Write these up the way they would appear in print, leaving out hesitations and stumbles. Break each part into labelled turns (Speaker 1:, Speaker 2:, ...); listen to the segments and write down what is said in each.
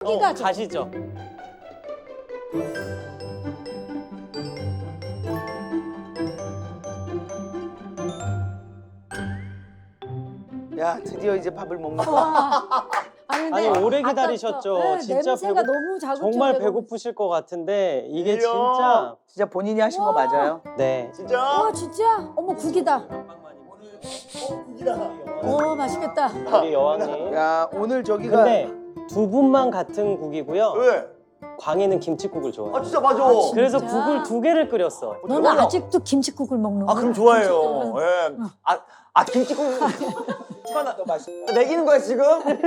Speaker 1: 가죠.
Speaker 2: 가시죠.
Speaker 3: 야, 드디어 이제 밥을 먹는 거야.
Speaker 1: 와. 아니, 근데
Speaker 2: 아니, 오래
Speaker 1: 아까
Speaker 2: 기다리셨죠.
Speaker 1: 네,
Speaker 2: 진짜
Speaker 1: 냄새가 너무 자극적이에요.
Speaker 2: 정말 배고프실 것 같은데 이게
Speaker 4: 이야.
Speaker 2: 진짜
Speaker 3: 진짜 본인이 하신 거 맞아요?
Speaker 2: 네.
Speaker 4: 진짜?
Speaker 1: 와, 진짜? 어머, 국이다. 오, 맛있겠다.
Speaker 2: 우리 여왕님.
Speaker 3: 야, 오늘 저기가
Speaker 2: 근데 두 분만 같은 국이고요.
Speaker 4: 왜?
Speaker 2: 광희는 김치국을 좋아해.
Speaker 4: 아 진짜 맞아.
Speaker 2: 그래서
Speaker 1: 진짜?
Speaker 2: 국을 두 개를 끓였어.
Speaker 1: 너는
Speaker 4: 대박이다.
Speaker 1: 아직도 김치국을 먹는 거야?
Speaker 4: 아 그럼 좋아해요.
Speaker 1: 김치국을.
Speaker 4: 예. 아 김치국.
Speaker 3: 하나 더 맛있다.
Speaker 4: 내기는 거야 지금?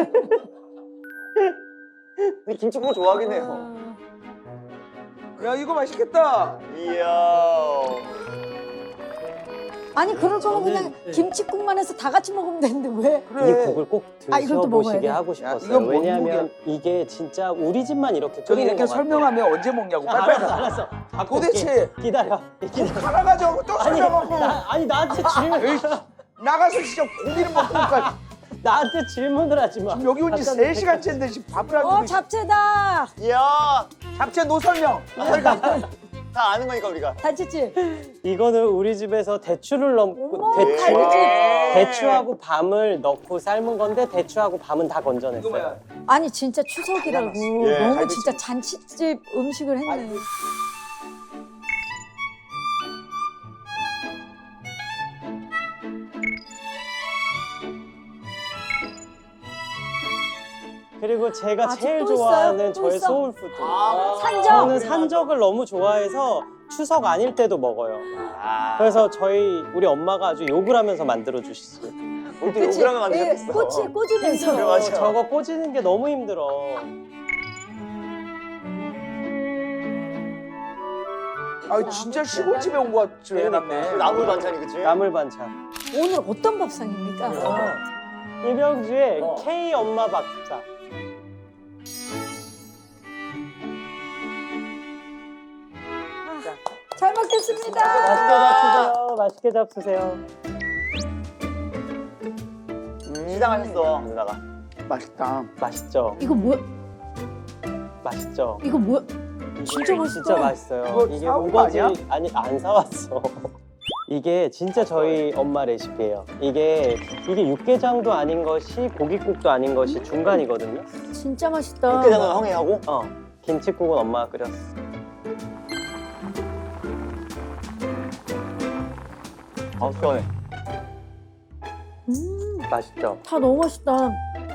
Speaker 4: 근데 김치국을 좋아하긴 해요.
Speaker 3: 야, 이거 맛있겠다.
Speaker 4: 이야.
Speaker 1: 아니, 그럴 거면 그냥
Speaker 2: 네.
Speaker 1: 김치국만 해서 다 같이 먹으면 되는데 왜?
Speaker 2: 이 국을 꼭
Speaker 1: 아, 이걸 또 먹어야
Speaker 2: 드셔보시게
Speaker 1: 돼?
Speaker 2: 하고
Speaker 3: 야,
Speaker 2: 싶었어요.
Speaker 3: 이건 뭔
Speaker 2: 왜냐하면 이게 진짜 우리 집만 이렇게
Speaker 3: 저기
Speaker 2: 끓이는
Speaker 3: 이렇게
Speaker 2: 것 같아요.
Speaker 3: 설명하면 언제 먹냐고.
Speaker 2: 아,
Speaker 3: 빨리빨리.
Speaker 2: 알았어, 알았어. 갖고
Speaker 3: 도대체
Speaker 2: 올게. 기다려.
Speaker 3: 하나 가져오고 또
Speaker 2: 아니,
Speaker 3: 설명하고.
Speaker 2: 아니 나한테 질문.
Speaker 3: 에이, 나가서 진짜 고기를 먹고니까
Speaker 2: 나한테 질문을 하지 마.
Speaker 3: 지금 여기 온 지
Speaker 2: 잠깐
Speaker 3: 3시간째인데 지금 밥을 안 주고
Speaker 1: 잡채다.
Speaker 4: 이야.
Speaker 3: 잡채 노설명.
Speaker 4: 다 아는 거니까 우리가.
Speaker 1: 단치집.
Speaker 2: 이거는 우리 집에서 대추를 넣고
Speaker 1: 어머,
Speaker 2: 대추
Speaker 1: 갈비찜.
Speaker 2: 대추하고 밤을 넣고 삶은 건데 대추하고 밤은 다
Speaker 3: 이거
Speaker 2: 건져냈어요.
Speaker 3: 뭐야?
Speaker 1: 아니, 진짜 추석이라고
Speaker 4: 예,
Speaker 1: 너무
Speaker 3: 갈비찜.
Speaker 1: 진짜 잔치집 음식을 했네.
Speaker 2: 그리고 제가
Speaker 1: 아직
Speaker 2: 제일
Speaker 1: 또 있어요?
Speaker 2: 좋아하는
Speaker 1: 또
Speaker 2: 저의
Speaker 1: 있어?
Speaker 2: 소울푸드.
Speaker 1: 산적.
Speaker 2: 저는 산적을 너무 좋아해서 추석 아닐 때도 먹어요. 그래서 우리 엄마가 아주 욕을 하면서 만들어 주시지.
Speaker 4: 우리도 욕을 하면 안 되겠어.
Speaker 1: 꽂으면서.
Speaker 4: 그래, 맞아.
Speaker 2: 저거 꽂이는 게 너무 힘들어.
Speaker 3: 아, 진짜 시골집에 온 것 같이 해놨네.
Speaker 4: 나물 반찬이 그치?
Speaker 2: 나물 반찬.
Speaker 1: 오늘 어떤 밥상입니까?
Speaker 2: 이병주의 K 엄마 밥상.
Speaker 1: 잘 먹겠습니다.
Speaker 2: 맛있게 잡수세요.
Speaker 4: 시장하셨어 누나가.
Speaker 3: 맛있다.
Speaker 2: 맛있죠?
Speaker 1: 이거 뭐?
Speaker 2: 맛있죠?
Speaker 1: 이거 뭐? 진짜 맛있다.
Speaker 2: 진짜 맛있어요.
Speaker 3: 이거
Speaker 2: 이게
Speaker 3: 사온 거
Speaker 2: 우거지
Speaker 3: 아니야?
Speaker 2: 아니 안 사왔어. 이게 진짜 저희 엄마 레시피예요. 이게 육개장도 아닌 것이 고깃국도 아닌 것이 중간이거든요.
Speaker 1: 진짜 맛있다.
Speaker 4: 육개장은 형이 하고.
Speaker 2: 김치국은 엄마가 끓였어.
Speaker 4: 아 시원해.
Speaker 2: 맛있죠?
Speaker 1: 다 너무 맛있다.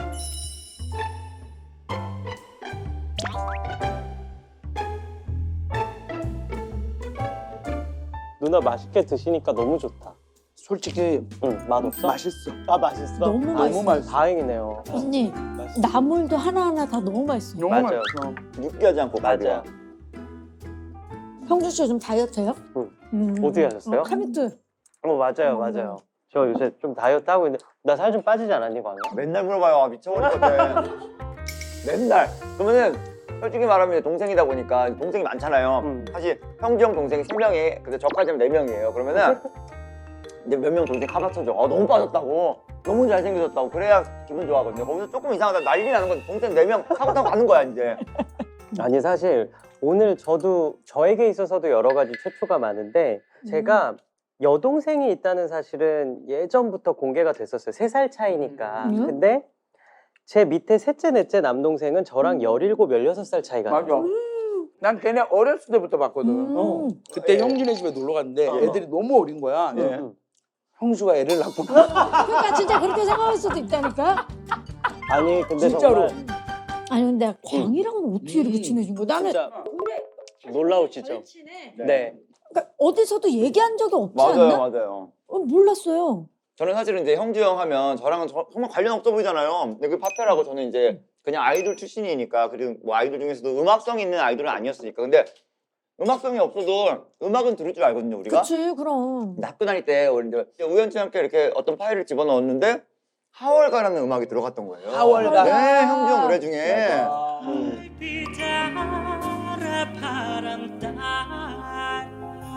Speaker 2: 누나 맛있게 드시니까 너무 좋다.
Speaker 3: 솔직히
Speaker 2: 응, 맛없어?
Speaker 3: 맛있어.
Speaker 2: 아 맛있어?
Speaker 1: 너무
Speaker 3: 너무 맛있어.
Speaker 2: 다행이네요.
Speaker 1: 언니,
Speaker 2: 맛있어.
Speaker 1: 나물도 하나하나 다 너무 맛있어.
Speaker 3: 너무
Speaker 2: 맞아요.
Speaker 3: 맛있어.
Speaker 4: 육개하지 않고
Speaker 2: 맞아요.
Speaker 1: 형주 씨 요즘 다이어트 해요?
Speaker 2: 응. 어떻게 하셨어요?
Speaker 1: 카미트.
Speaker 2: 맞아요, 맞아요. 저 요새 좀 다이어트 하고 있는데 나 살 좀 빠지지 않았니, 광희?
Speaker 4: 맨날 물어봐요. 아, 미쳐버리거든. 맨날. 그러면은 솔직히 말하면 동생이다 보니까 동생이 많잖아요. 사실 형주 형 동생이 3명이 근데 저까지 하면 4명이에요. 그러면은 이제 몇 명 동생 카바쳐줘. 아 너무 빠졌다고. 너무 잘생겨졌다고. 그래야 기분 좋아하거든요. 거기서 조금 이상하다 난리 나는 건 동생 4명 카바 타고 가는 거야 이제.
Speaker 2: 아니 사실 오늘 저에게 있어서도 여러 가지 최초가 많은데 제가 여동생이 있다는 사실은 예전부터 공개가 됐었어요. 3살 차이니까. 근데 제 밑에 셋째, 넷째 남동생은 저랑 17, 16살 차이가
Speaker 3: 맞아.
Speaker 2: 나요.
Speaker 3: 난 걔네 어렸을 때부터 봤거든. 그때
Speaker 4: 예.
Speaker 3: 형준의 집에 놀러 갔는데 애들이 너무 어린 거야.
Speaker 4: 예.
Speaker 3: 형수가 애를 낳구나.
Speaker 1: 그러니까 진짜 그렇게 생각할 수도 있다니까.
Speaker 2: 아니 근데
Speaker 3: 진짜로.
Speaker 2: 정말
Speaker 1: 아니 근데 광이랑은 어떻게 이렇게 친해진 거야? 나는
Speaker 2: 진짜 놀라우시죠? 네.
Speaker 1: 그러니까 어디서도 얘기한 적이 없지
Speaker 4: 맞아요,
Speaker 1: 않나?
Speaker 4: 맞아요.
Speaker 1: 몰랐어요.
Speaker 4: 저는 사실은 이제 형주 형 하면 저랑은 정말 관련 없어 보이잖아요. 근데 그 파페라고 저는 이제 그냥 아이돌 출신이니까 그리고 뭐 아이돌 중에서도 음악성 있는 아이돌은 아니었으니까. 근데 음악성이 없어도 음악은 들을 줄 알거든요, 우리가.
Speaker 1: 그치 그럼.
Speaker 4: 근데 학교 다닐 때 우리 이제 우연치 않게 이렇게 어떤 파일을 집어넣었는데 하월가라는 음악이 들어갔던 거예요.
Speaker 3: 하월가.
Speaker 4: 네, 형주 형 노래 중에.
Speaker 5: 빛 알아 바람 따라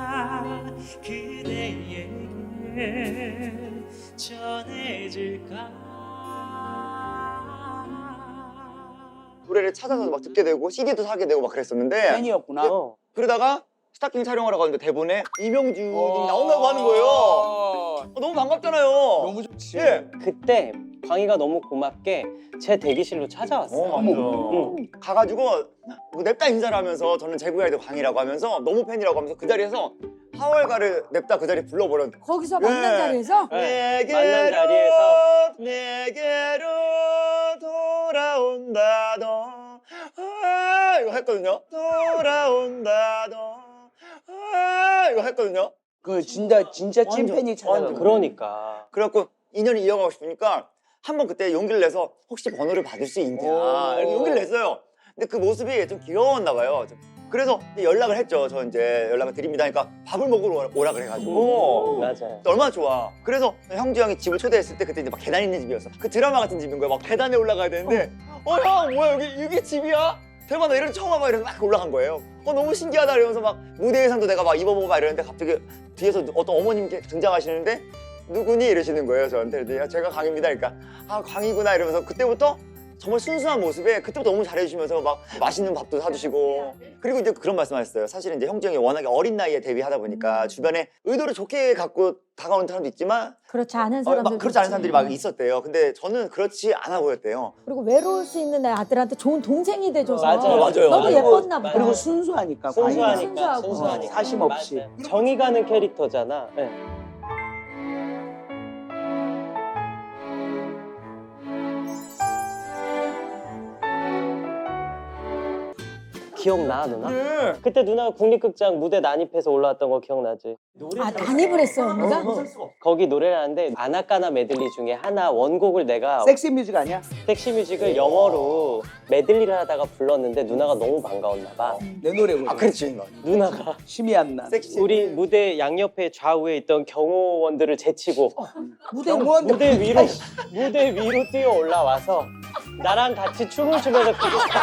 Speaker 5: 그대에게 전해질까
Speaker 4: 노래를 찾아서 막 듣게 되고 CD도 사게 되고 막 그랬었는데
Speaker 3: 팬이었구나.
Speaker 4: 그러다가 스타킹 촬영하러 가는데 대본에 이명준이 나온다고 하는 거예요. 너무 반갑잖아요.
Speaker 3: 너무 좋지.
Speaker 4: 예.
Speaker 2: 그때 광희가 너무 고맙게 제 대기실로 찾아왔어요. 응.
Speaker 4: 가가지고 뭐 냅다 인사를 하면서 저는 제구의 아이돌 광이라고 하면서 너무 팬이라고 하면서 그 자리에서 하월가를 냅다 그 자리에 불러버렸는데
Speaker 1: 거기서 만난
Speaker 4: 예.
Speaker 1: 자리에서
Speaker 2: 네,
Speaker 4: 내게로
Speaker 2: 만난 자리에서
Speaker 4: 내게로 돌아온다 너 이거 했거든요. 돌아온다 너 이거 했거든요.
Speaker 3: 그 진짜 찐팬이 찾아간 거야.
Speaker 2: 그러니까
Speaker 4: 그래갖고 인연을 이어가고 싶으니까 한번 그때 용기를 내서 혹시 번호를 받을 수 있냐 이렇게 용기를 냈어요. 근데 그 모습이 좀 귀여웠나 봐요. 그래서 이제 연락을 했죠. 저 이제 연락을 드립니다. 그러니까 밥을 먹으러 오라 그래가지고
Speaker 2: 맞아요.
Speaker 4: 얼마나 좋아. 그래서 형주 형이 집을 초대했을 때 그때 이제 막 계단 있는 집이었어. 그 드라마 같은 집인 거야. 막 계단에 올라가야 되는데 형 뭐야 이게 집이야? 대박 나 이런 처음 와봐 이러면서 막 올라간 거예요. 너무 신기하다 이러면서 막 무대 의상도 내가 막 입어보고 막 이러는데 갑자기 뒤에서 어떤 어머님께 등장하시는데 누구니 이러시는 거예요 저한테. 그래서 제가 광입니다. 그러니까 아 광이구나 이러면서 그때부터 정말 순수한 모습에 그때부터 너무 잘해주시면서 막 맛있는 밥도 사주시고 그리고 이제 그런 말씀하셨어요. 사실은 이제 형주 형이 워낙에 어린 나이에 데뷔하다 보니까 주변에 의도를 좋게 갖고 다가오는 사람도 있지만
Speaker 1: 그렇지 않은
Speaker 4: 막
Speaker 1: 사람들
Speaker 4: 그렇지 않은 사람들이 막 있었대요. 근데 저는 그렇지 않아 보였대요.
Speaker 1: 그리고 외로울 수 있는 내 아들한테 좋은 동생이 돼줘서
Speaker 2: 맞아요.
Speaker 4: 맞아요.
Speaker 1: 너무
Speaker 4: 맞아요.
Speaker 1: 예뻤나 보다.
Speaker 3: 그리고 순수하니까. 광희가.
Speaker 2: 순수하니까
Speaker 1: 순수하고.
Speaker 3: 사심 없이.
Speaker 2: 맞아요. 정이 가는 캐릭터잖아. 네. 기억나 누나?
Speaker 4: 네.
Speaker 2: 그때 누나가 국립극장 무대 난입해서 올라왔던 거 기억나지?
Speaker 1: 아 난입을 했어 언니가?
Speaker 2: 거기 노래를 하는데 아나까나 메들리 중에 하나 원곡을 내가
Speaker 3: 섹시 뮤직 아니야?
Speaker 2: 섹시 뮤직을 영어로 메들리를 하다가 불렀는데 누나가 너무 반가웠나 봐.
Speaker 3: 내 노래거든.
Speaker 4: 아 그렇지.
Speaker 2: 누나가
Speaker 3: 심이 안 나.
Speaker 4: 섹시.
Speaker 2: 우리 무대 양옆에 좌우에 있던 경호원들을 제치고
Speaker 1: 무대로
Speaker 3: 영원히
Speaker 2: 무대 위로 뛰어 올라와서 나랑 같이 춤을 추면서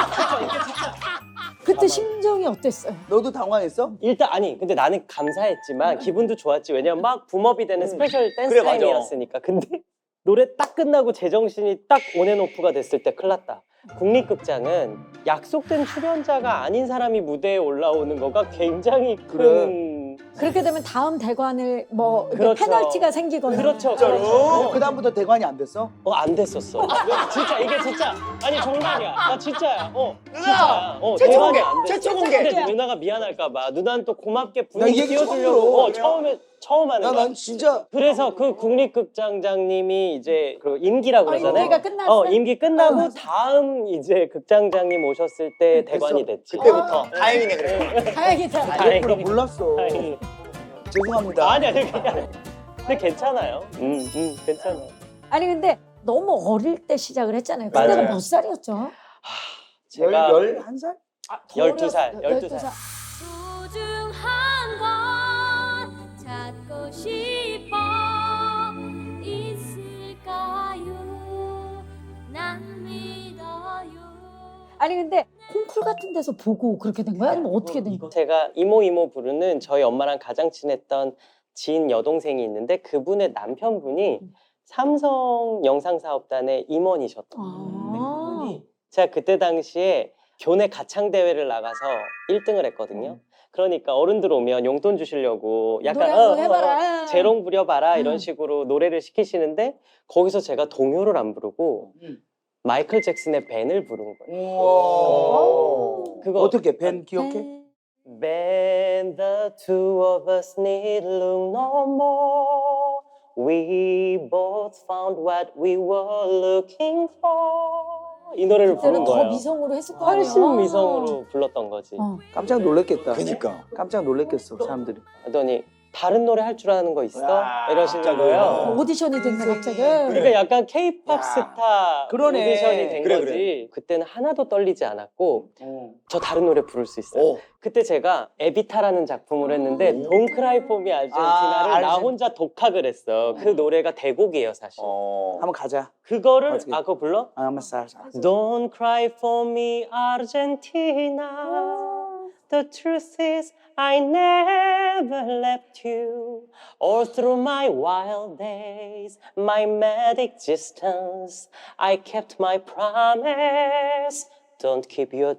Speaker 1: 그때 심정이 어땠어요?
Speaker 3: 너도 당황했어?
Speaker 2: 일단 아니 근데 나는 감사했지만 기분도 좋았지. 왜냐면 막 붐업이 되는 스페셜 댄스
Speaker 4: 그래, 맞아.
Speaker 2: 타임이었으니까. 근데 노래 딱 끝나고 제정신이 딱 온앤오프가 됐을 때 큰일 났다. 국립극장은 약속된 출연자가 아닌 사람이 무대에 올라오는 거가 굉장히 큰
Speaker 1: 그렇게 되면 다음 대관을 뭐 이렇게
Speaker 2: 그렇죠.
Speaker 1: 페널티가 생기거나
Speaker 2: 그렇죠.
Speaker 3: 어, 그다음부터 대관이 안 됐어?
Speaker 2: 안 됐었어. 진짜 이게 진짜 아니 정말이야. 나 진짜야.
Speaker 4: 누나!
Speaker 2: 진짜야.
Speaker 4: 최초
Speaker 2: 대관이
Speaker 4: 공개!
Speaker 2: 안 됐어.
Speaker 4: 최초 공개!
Speaker 2: 근데 누나가 미안할까봐 누나는 또 고맙게
Speaker 3: 나
Speaker 2: 분위기
Speaker 3: 이 얘기 처음
Speaker 2: 띄워주려고
Speaker 3: 들어.
Speaker 2: 처음 하는 거야.
Speaker 3: 난 진짜
Speaker 2: 그래서 그 국립극장장님이 이제 그 임기라고 그러잖아요.
Speaker 1: 임기가 끝났어?
Speaker 2: 임기 끝나고 다음 이제 극장장님 오셨을 때 대관이 됐지.
Speaker 4: 그때부터 다행이네 그래.
Speaker 1: 다행이다.
Speaker 2: 다행히.
Speaker 3: 그걸 몰랐어.
Speaker 2: 다행히.
Speaker 3: 죄송합니다.
Speaker 2: 아니야, 근데 괜찮아요. 괜찮아요.
Speaker 1: 아니 근데 너무 어릴 때 시작을 했잖아요.
Speaker 2: 맞아요.
Speaker 1: 그때가 몇 살이었죠?
Speaker 2: 제가
Speaker 3: 11살?
Speaker 2: 12살, 12살.
Speaker 6: 소중한 건 찾고 싶어 있을까요? 난 믿어요.
Speaker 1: 아니 근데 콩쿨 같은 데서 보고 그렇게 된 거야? 아니면 어떻게 된 거야?
Speaker 2: 제가 이모 부르는 저희 엄마랑 가장 친했던 지인 여동생이 있는데 그분의 남편분이 삼성 영상사업단의 임원이셨던
Speaker 1: 아.
Speaker 2: 제가 그때 당시에 교내 가창 대회를 나가서 1등을 했거든요. 그러니까 어른들 오면 용돈 주시려고 약간
Speaker 1: 노래 한번 해봐라.
Speaker 2: 재롱 부려봐라 이런 식으로 노래를 시키시는데 거기서 제가 동요를 안 부르고 마이클 잭슨의 벤을 부른 거예요.
Speaker 3: 우와.
Speaker 2: 그거
Speaker 3: 어떻게 벤 기억해?
Speaker 1: 네.
Speaker 2: Ben, the two of us need look no more. We both found what we were looking for. 이 노래를 부른
Speaker 1: 그때는 더
Speaker 2: 거예요.
Speaker 1: 미성으로 했을 거 아니야.
Speaker 2: 훨씬 미성으로 불렀던 거지.
Speaker 3: 깜짝 놀랐겠다.
Speaker 4: 그니까.
Speaker 3: 깜짝 놀랐겠어 사람들이.
Speaker 2: 하더니 다른 노래 할 줄 아는 거 있어?
Speaker 3: 야,
Speaker 2: 이러시는
Speaker 4: 진짜
Speaker 2: 거예요.
Speaker 1: 오디션이 됐네 갑자기.
Speaker 2: 그러니까 약간 케이팝
Speaker 3: 야,
Speaker 2: 스타
Speaker 3: 그러네.
Speaker 2: 오디션이 된
Speaker 4: 그래,
Speaker 2: 거지. 그때는 하나도 떨리지 않았고 저 다른 노래 부를 수 있어요. 그때 제가 에비타라는 작품을 했는데 Don't Cry For Me 아르헨티나를 나 혼자 독학을 했어. 그 노래가 대곡이에요 사실.
Speaker 3: 한번 가자.
Speaker 2: 그거를
Speaker 3: 어떻게?
Speaker 2: 그거 불러?
Speaker 3: 한번 쌀.
Speaker 2: Don't cry for me Argentina. The truth is I never left you. All through my wild days, my mad existence, I kept my promise Don't keep your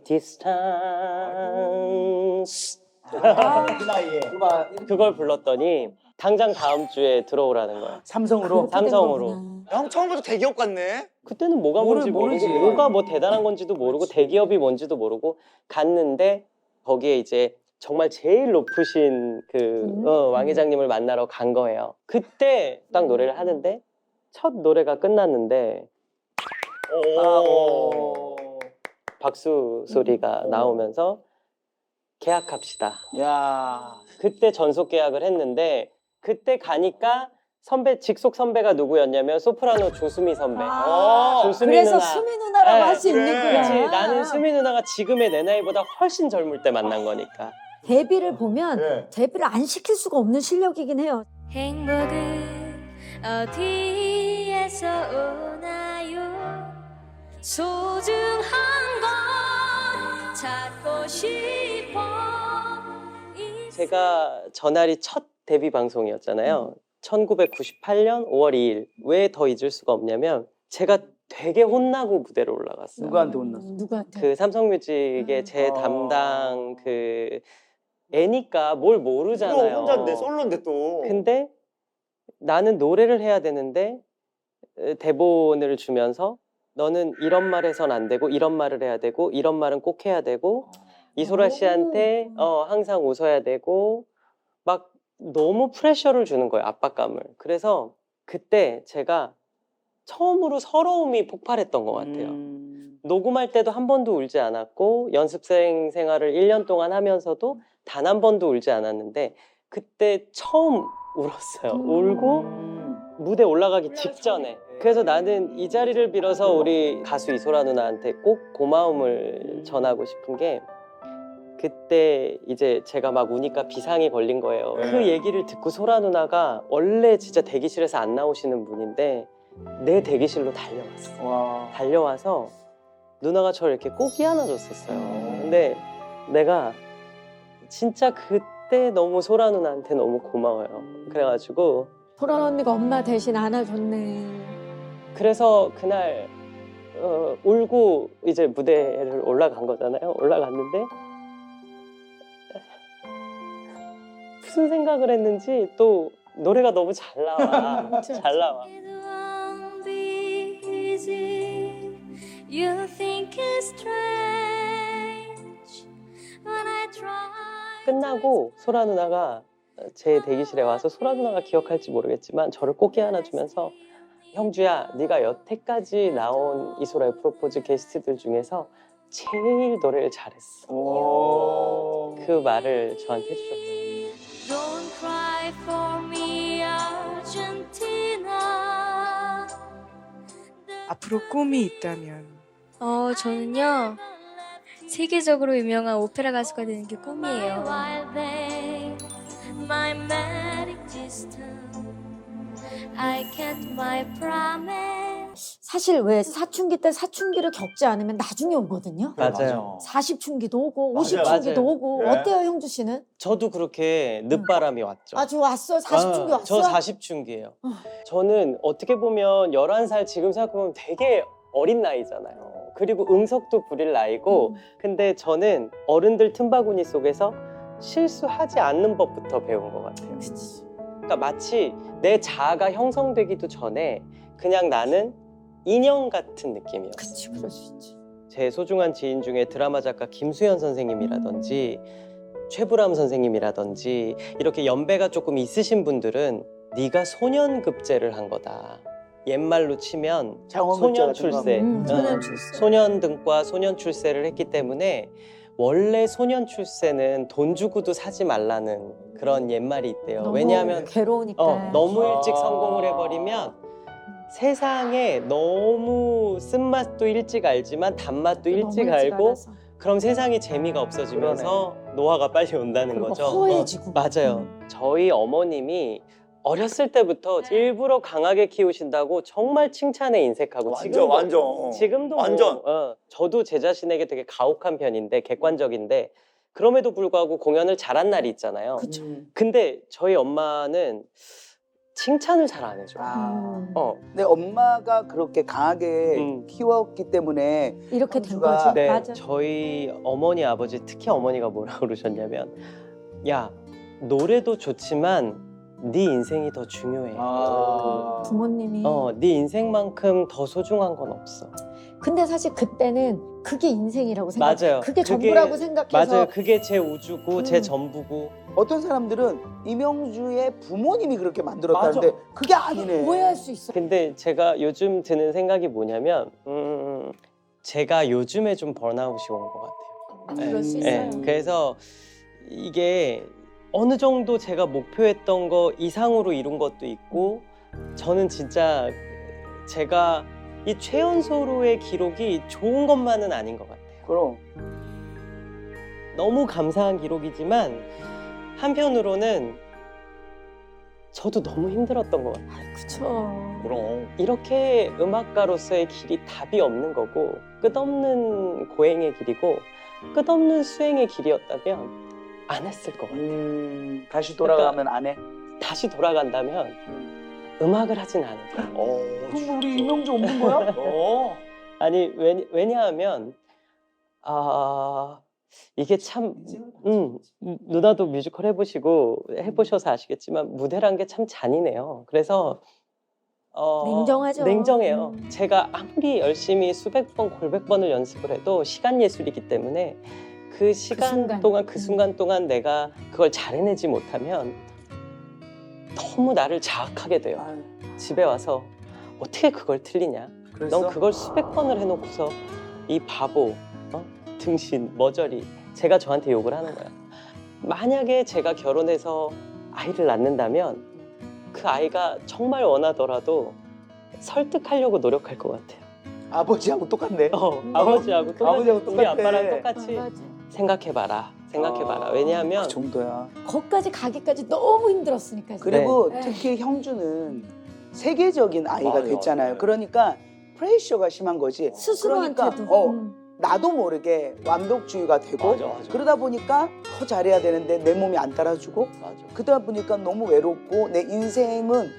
Speaker 2: distance.
Speaker 3: 그 나이에.
Speaker 2: 그걸 불렀더니 당장 다음 주에 들어오라는 거야.
Speaker 3: 삼성으로.
Speaker 2: 삼성으로.
Speaker 4: 형 처음부터 대기업 같네.
Speaker 2: 그때는 뭐가 뭔지
Speaker 3: 모르지.
Speaker 2: 모르고 뭐가 뭐 대단한 건지도 모르고 대기업이 뭔지도 모르고 갔는데 거기에 이제 정말 제일 높으신 그 왕 회장님을 만나러 간 거예요. 그때 딱 노래를 하는데 첫 노래가 끝났는데 박수 소리가 나오면서 계약합시다.
Speaker 3: 야.
Speaker 2: 그때 전속 계약을 했는데 그때 가니까 선배 직속 선배가 누구였냐면 소프라노 조수미 선배. 조수미
Speaker 1: 그래서
Speaker 2: 누나.
Speaker 1: 수미 누나라고
Speaker 2: 네,
Speaker 1: 할 수
Speaker 4: 그래.
Speaker 1: 있는구나.
Speaker 2: 그치, 나는 수미 누나가 지금의 내 나이보다 훨씬 젊을 때 만난 거니까.
Speaker 1: 데뷔를 보면
Speaker 3: 네.
Speaker 1: 데뷔를 안 시킬 수가 없는 실력이긴 해요.
Speaker 6: 행복은 어디에서 오나요? 소중한 건 찾고 싶어.
Speaker 2: 제가 전날이 첫 데뷔 방송이었잖아요. 1998년 5월 2일. 왜 더 잊을 수가 없냐면 제가 되게 혼나고 무대로 올라갔어요.
Speaker 3: 누구한테 혼났어?
Speaker 1: 누구한테?
Speaker 2: 그 삼성뮤직의 제 담당 그 애니까 뭘 모르잖아요.
Speaker 4: 혼자인데 솔로인데 또.
Speaker 2: 근데 나는 노래를 해야 되는데 대본을 주면서 너는 이런 말 해선 안 되고 이런 말을 해야 되고 이런 말은 꼭 해야 되고 이소라 씨한테 항상 웃어야 되고 막 너무 프레셔를 주는 거예요. 압박감을. 그래서 그때 제가 처음으로 서러움이 폭발했던 것 같아요. 녹음할 때도 한 번도 울지 않았고 연습생 생활을 1년 동안 하면서도 단 한 번도 울지 않았는데 그때 처음 울었어요. 울고 무대 올라가기 직전에. 그래서 나는 이 자리를 빌어서 우리 가수 이소라 누나한테 꼭 고마움을 전하고 싶은 게 그때 이제 제가 막 우니까 비상이 걸린 거예요.
Speaker 4: 네.
Speaker 2: 그 얘기를 듣고 소라 누나가 원래 진짜 대기실에서 안 나오시는 분인데 내 대기실로 달려왔어.
Speaker 3: 와.
Speaker 2: 달려와서 누나가 저를 이렇게 꼭 안아줬었어요. 근데 내가 진짜 그때 너무 소라 누나한테 너무 고마워요. 그래가지고
Speaker 1: 소라 언니가 엄마 대신 안아줬네.
Speaker 2: 그래서 그날 울고 이제 무대를 올라간 거잖아요. 올라갔는데 무슨 생각을 했는지 또 노래가 너무 잘 나와. 잘 나와.
Speaker 6: It won't be easy. You think it's strange when I try.
Speaker 2: 끝나고 소라 누나가 제 대기실에 와서 소라 누나가 기억할지 모르겠지만 저를 꼭 안아주면서 형주야, 네가 여태까지 나온 이소라의 프로포즈 게스트들 중에서 제일 노래를 잘했어. 그 말을 저한테 해주셨어요.
Speaker 6: Don't cry for me, Argentina.
Speaker 7: 앞으로 꿈이 있다면
Speaker 6: 저는요 세계적으로 유명한 오페라 가수가 되는 게 꿈이에요. My magic system. I kept my promise.
Speaker 1: 사실 왜 사춘기 때 사춘기를 겪지 않으면 나중에 오거든요.
Speaker 2: 맞아요.
Speaker 1: 40춘기도 오고
Speaker 4: 맞아요.
Speaker 1: 50춘기도
Speaker 2: 맞아요.
Speaker 1: 오고
Speaker 4: 네.
Speaker 1: 어때요 형주 씨는?
Speaker 2: 저도 그렇게 늦바람이 왔죠.
Speaker 1: 아주 왔어 40춘기 왔어?
Speaker 2: 저 40춘기예요. 저는 어떻게 보면 11살 지금 생각해보면 되게 어린 나이잖아요. 그리고 응석도 부릴 나이고 근데 저는 어른들 틈바구니 속에서 실수하지 않는 법부터 배운 것 같아요.
Speaker 1: 그치.
Speaker 2: 그러니까 마치 내 자아가 형성되기도 전에 그냥 나는 인형 같은 느낌이었어요.
Speaker 1: 그치 그럴 수 있지.
Speaker 2: 제 소중한 지인 중에 드라마 작가 김수현 선생님이라든지 최불암 선생님이라든지 이렇게 연배가 조금 있으신 분들은 네가 소년급제를 한 거다. 옛말로 치면 소년 출세,
Speaker 1: 소년 출세.
Speaker 2: 소년등과 소년 출세를 했기 때문에 원래 소년 출세는 돈 주고도 사지 말라는 그런 옛말이 있대요.
Speaker 1: 너무
Speaker 2: 왜냐하면
Speaker 1: 괴로우니까.
Speaker 2: 너무 일찍 성공을 해버리면 세상에 너무 쓴맛도 일찍 알지만 단맛도 일찍 알고
Speaker 1: 알아서.
Speaker 2: 그럼 세상에 재미가 없어지면서 노화가 빨리 온다는
Speaker 1: 그리고
Speaker 2: 거죠.
Speaker 1: 허해지고.
Speaker 2: 맞아요. 저희 어머님이 어렸을 때부터 일부러 강하게 키우신다고 정말 칭찬에 인색하고
Speaker 4: 완전.
Speaker 2: 지금도
Speaker 4: 완전.
Speaker 2: 저도 제 자신에게 되게 가혹한 편인데 객관적인데 그럼에도 불구하고 공연을 잘한 날이 있잖아요.
Speaker 1: 그쵸.
Speaker 2: 근데 저희 엄마는 칭찬을 잘 안 해줘.
Speaker 3: 아. 근데 엄마가 그렇게 강하게 키웠기 때문에
Speaker 1: 이렇게 된
Speaker 3: 형주가-
Speaker 1: 거지.
Speaker 2: 네,
Speaker 1: 맞아.
Speaker 2: 저희 어머니 아버지 특히 어머니가 뭐라 그러셨냐면 야 노래도 좋지만 네 인생이 더 중요해.
Speaker 3: 아.
Speaker 1: 부모님이.
Speaker 2: 네 인생만큼 더 소중한 건 없어.
Speaker 1: 근데 사실 그때는 그게 인생이라고 생각.
Speaker 2: 맞아요.
Speaker 1: 그게 전부라고 생각해서.
Speaker 2: 맞아요. 그게 제 우주고 제 전부고.
Speaker 3: 어떤 사람들은 이명주의 부모님이 그렇게 만들었다는데 그게 아니네.
Speaker 1: 오해할 수 있어.
Speaker 2: 근데 제가 요즘 드는 생각이 뭐냐면 제가 요즘에 좀 번아웃이 온 것 같아요.
Speaker 1: 그럴 수
Speaker 2: 네,
Speaker 1: 있어요.
Speaker 2: 그래서 이게 어느 정도 제가 목표했던 거 이상으로 이룬 것도 있고 저는 진짜 제가 이 최연소로의 기록이 좋은 것만은 아닌 것 같아요.
Speaker 3: 그럼
Speaker 2: 너무 감사한 기록이지만 한편으로는 저도 너무 힘들었던 것 같아요.
Speaker 1: 그쵸.
Speaker 4: 그럼.
Speaker 2: 이렇게 음악가로서의 길이 답이 없는 거고 끝없는 고행의 길이고 끝없는 수행의 길이었다면 안 했을 것 같아요.
Speaker 3: 다시 돌아가면 안 해.
Speaker 2: 다시 돌아간다면 음악을 하진 않을 거예요.
Speaker 3: 그럼 우리 이명주 없는 거야?
Speaker 2: 아니 왜냐하면 이게 참 누나도 뮤지컬 해보셔서 아시겠지만 무대란 게 참 잔인해요. 그래서
Speaker 1: 냉정하죠.
Speaker 2: 냉정해요. 제가 아무리 열심히 수백 번, 골백 번을 연습을 해도 시간 예술이기 때문에 그 시간
Speaker 1: 순간.
Speaker 2: 동안 그 순간 동안 내가 그걸 잘 해내지 못하면 너무 나를 자학하게 돼요.
Speaker 3: 아유,
Speaker 2: 집에 와서 어떻게 그걸 틀리냐?
Speaker 3: 그랬어?
Speaker 2: 넌 그걸 수백 번을 해놓고서 이 바보, 등신, 머저리 제가 저한테 욕을 하는 거야. 만약에 제가 결혼해서 아이를 낳는다면 그 아이가 정말 원하더라도 설득하려고 노력할 것 같아요.
Speaker 3: 아버지하고 똑같네.
Speaker 2: 아버지하고
Speaker 3: 아버지하고
Speaker 2: 우리
Speaker 3: 똑같아.
Speaker 2: 아빠랑 똑같이
Speaker 1: 맞아.
Speaker 2: 생각해봐라. 왜냐하면
Speaker 3: 그 정도야.
Speaker 1: 거기까지 가기까지 너무 힘들었으니까.
Speaker 3: 그리고
Speaker 1: 네.
Speaker 3: 특히 형주는 세계적인 아이가
Speaker 4: 맞아요,
Speaker 3: 됐잖아요.
Speaker 4: 맞아요.
Speaker 3: 그러니까 프레셔가 심한 거지.
Speaker 1: 스스로한테도.
Speaker 3: 그러니까 나도 모르게 완벽주의가 되고
Speaker 4: 맞아.
Speaker 3: 그러다 보니까 더 잘해야 되는데 내 몸이 안 따라주고
Speaker 4: 맞아.
Speaker 3: 그러다 보니까 너무 외롭고 내 인생은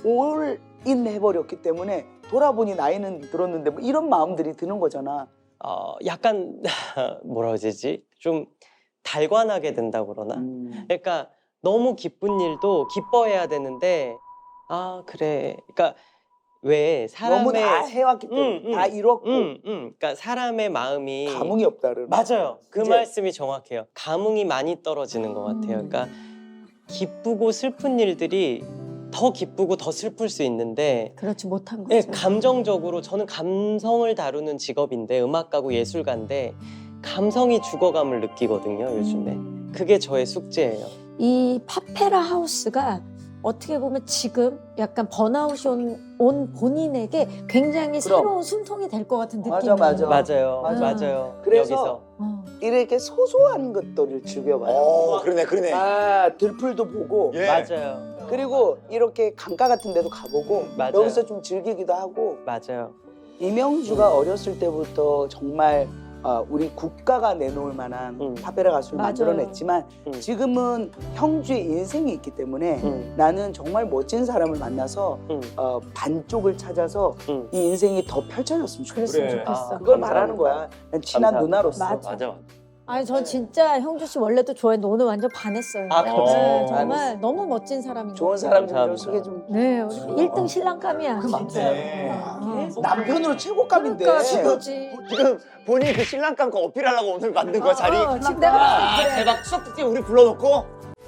Speaker 3: 올인 해버렸기 때문에 돌아보니 나이는 들었는데 뭐 이런 마음들이 드는 거잖아.
Speaker 2: 약간 뭐라 그러지? 좀 달관하게 된다고 그러나? 그러니까 너무 기쁜 일도 기뻐해야 되는데 그래. 그러니까 왜
Speaker 3: 너무
Speaker 2: 사람의
Speaker 3: 다 해왔기 때문에 다 이뤘고
Speaker 2: 그러니까 사람의 마음이
Speaker 3: 감흥이 없다 그러면.
Speaker 2: 맞아요. 그
Speaker 3: 그치?
Speaker 2: 말씀이 정확해요. 감흥이 많이 떨어지는 것 같아요. 그러니까 기쁘고 슬픈 일들이 더 기쁘고 더 슬플 수 있는데
Speaker 1: 그렇지 못한
Speaker 2: 예,
Speaker 1: 거죠.
Speaker 2: 감정적으로 저는 감성을 다루는 직업인데 음악가고 예술가인데 감성이 죽어감을 느끼거든요. 요즘에 그게 저의 숙제예요.
Speaker 1: 이 파페라 하우스가 어떻게 보면 지금 약간 번아웃이 온 본인에게 굉장히
Speaker 3: 그럼.
Speaker 1: 새로운 숨통이 될 것 같은 느낌이.
Speaker 3: 맞아.
Speaker 2: 맞아요.
Speaker 3: 맞아.
Speaker 2: 맞아요.
Speaker 3: 그래서
Speaker 2: 여기서
Speaker 3: 이렇게 소소한 것들을 즐겨봐요.
Speaker 4: 그러네.
Speaker 3: 들풀도 보고
Speaker 4: 예.
Speaker 2: 맞아요.
Speaker 3: 그리고 이렇게 강가 같은 데도 가보고
Speaker 2: 맞아요.
Speaker 3: 여기서 좀 즐기기도 하고.
Speaker 2: 맞아요.
Speaker 3: 이명주가 어렸을 때부터 정말 우리 국가가 내놓을 만한 파페라 가수를
Speaker 1: 맞아요.
Speaker 3: 만들어냈지만 지금은 형주의 인생이 있기 때문에 나는 정말 멋진 사람을 만나서 반쪽을 찾아서 이 인생이 더 펼쳐졌으면 좋겠어.
Speaker 1: 그랬으면
Speaker 4: 그래.
Speaker 1: 좋겠어.
Speaker 3: 그걸
Speaker 2: 감사합니다.
Speaker 3: 말하는 거야. 난 친한
Speaker 2: 감사합니다.
Speaker 3: 누나로서.
Speaker 1: 맞아. 아니 전 진짜 형주 씨 원래도 좋아했는데 오늘 완전 반했어요.
Speaker 3: 감사합니다.
Speaker 1: 네, 정말 너무 멋진 사람인 것
Speaker 3: 좋은
Speaker 1: 같아요.
Speaker 3: 사람 좀
Speaker 2: 감사합니다.
Speaker 3: 소개 좀.
Speaker 1: 네, 우리 1등 신랑감이야.
Speaker 3: 그
Speaker 1: 진짜.
Speaker 3: 맞네.
Speaker 1: 어.
Speaker 3: 남편으로 최고감인데.
Speaker 1: 그러니까 최고지.
Speaker 4: 지금 본인이 그 신랑감 거 어필하려고 오늘 만든 거야 자리.
Speaker 1: 지금 내가 봤을 때 그래.
Speaker 4: 대박 추석 때 우리 불러놓고.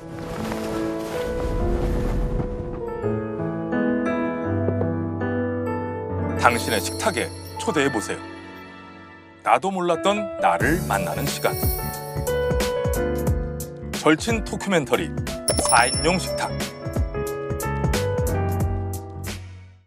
Speaker 8: 당신의 식탁에 초대해 보세요. 나도 몰랐던 나를 만나는 시간. 절친 다큐멘터리 4인용 식탁.